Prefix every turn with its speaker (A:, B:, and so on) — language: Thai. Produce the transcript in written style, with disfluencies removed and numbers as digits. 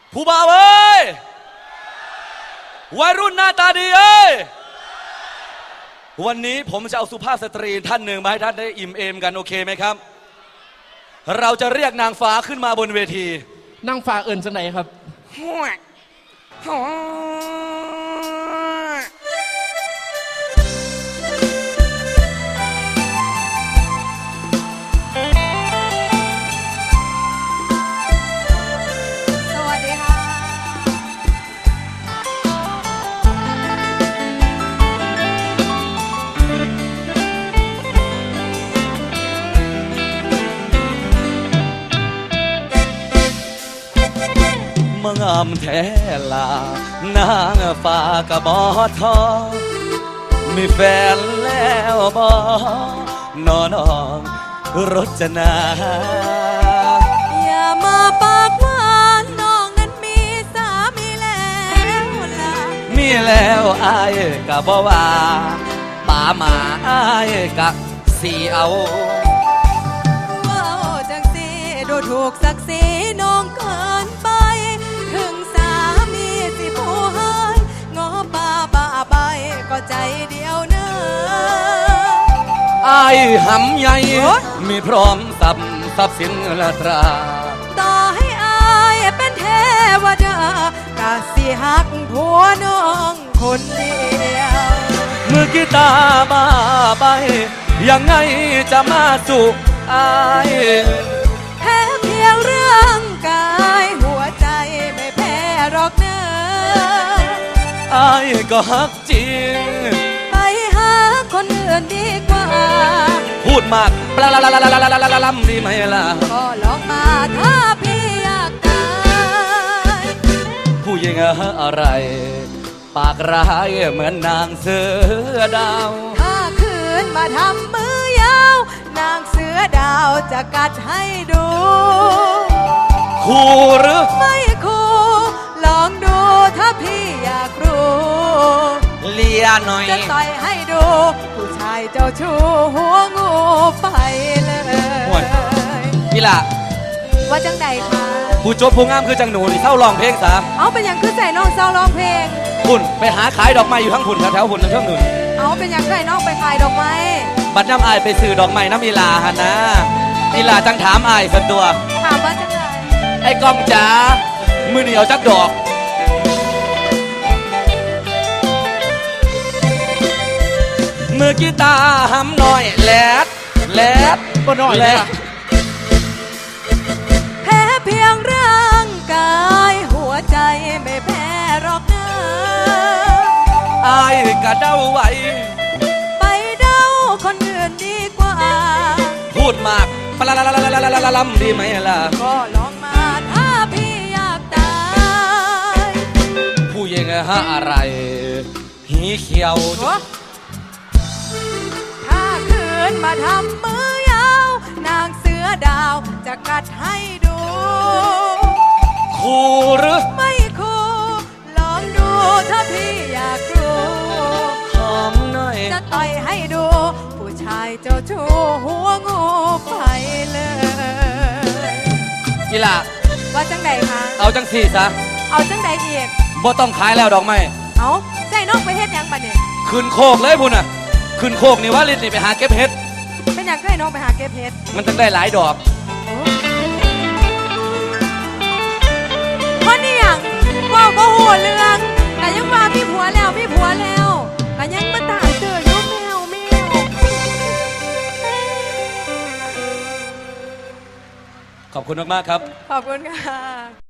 A: ผู้บ่าวเอ้ยวัยรุ่นหน้าตาดีเอ้ยวันนี้ผมจะเอาสุภาพสตรีท่านหนึ่งมาให้ท่านได้อิ่มเอมกันโอเคไหมครับเราจะเรียกนางฟ้าขึ้นมาบนเวที
B: นางฟ้าเอิญจังไหนครับ
C: สวัสดีค่ะ
A: มางามแท้ลานางฟ้ากะบอทอมีแฟนแล้วบอนอนองรจนา
C: อย่ามาปากหวานน้องนั้นมีสามีแล้วล่ะ
A: มีแล้วอายกะบอว่าป่าหมาอายกะสีเอา
C: ว้าวจังสีดูถูกศักดิ์ศรีน้องเกินไปถึงสามีสิผู้ให้งอป่าบ้าใบก็ใจเดียวเนอ
A: อายหำใหญ่มีพร้อมทรัพย์สินละตรา
C: ต่อให้อายเป็นเทวดากะสิหักผัวน้องคนเดียว
A: มือกีตาร์บ้าใบยังไงจะมาสู่อาย
C: แพ้เพียงเรื่องกายหัวใจไม่แพ้หรอกเนอ
A: อายก็ฮักจริง
C: ไปหาคนอื่นดีกว่า
A: พูดมากปลาลำดีไหมล่ะ
C: ก็ลองมาถ้าพี่อยากตาย
A: ผู้หญิงอะไรปากร้ายเหมือนนางเสือดาว
C: ถ้าคืนมาทำมือยาวนางเสือดาวจะกัดให้ดู
A: คู่หรือ
C: ไม่คู่ลองดูถ้าพี่อยากรู้
A: เลียหน่อย
C: จะต่อยให้ดูผู้ชายเจ้าชู้หัวงูไปเลย
A: นี่ล่ะ
C: ว่าจังใดคะ
A: ผู้จบผู้งามคือจังหนูนี่เศร้าร้องเพลงสา
C: เอาเป็นอย่างคือใส่น้องเศร้าร้องเพลง
A: หุ่นไปหาขายดอกไม้อยู่ทั้งหุ่นแถวหุ่นทั้งหนุน
C: เอาเป็นอย่างใส่น้องไปขายดอกไม้
A: บัดน้ำอายไปซื้อดอกไม้น้ำอีลาฮะนะอีลาจังถามอายสันตัว
C: ถามว่าจังได
A: ไอ้กล้องจ๋ามือเหนียวจักดอกมือกีตาร์หำหน่อยแลด
B: บ่น้อย
A: แลด
C: แพ้เพียงร่างกายหัวใจไม่แพ้หรอกเนอ
A: อายกะเด้าไว้
C: ไปเด้าคนอื่นดีกว่า
A: พูดมากปลาลำดีไหมล่ะ
C: ก็ลองมาถ้าพี่อยากตาย
A: ผู้หญิงอะไรหีเขียว
C: ถ้าคืนมาทำมือยาวนางเสือดาวจะกัดให้ดู
A: คู่หรือ
C: ไม่คู่ลองดูถ้าพี่อยากรู้
A: หอมหน่อย
C: จะต่อยให้ดูผู้ชายเจ้าชู้หัวงูไปเลย
A: นี่ล่ะ
C: ว่าจังใดคะ
A: เอาจังสี่ซะ
C: เอาจังใดอีก
A: บ่ต้องขายแล้วดอกไม้
C: เอาใจน้องไปเฮ็ดยังบัดเนี่ย
A: ขึ้นโคกเลยพุ่นน่ะขึ้นโคกนี่ว่าลินนี่ไปหาเก็บเห็ด
C: เป็นอย่างไรน้องไปหาเก็บเห็ด
A: มันต้องได้หลายดอก
C: เพราะนี่อย่างว่าก็หัวเรื่องแต่ยังมาพี่ผัวแล้วแต่ยังมาตายเจอยุ่แมว
A: ขอบคุณมากๆครับ
C: ขอบคุณค่ะ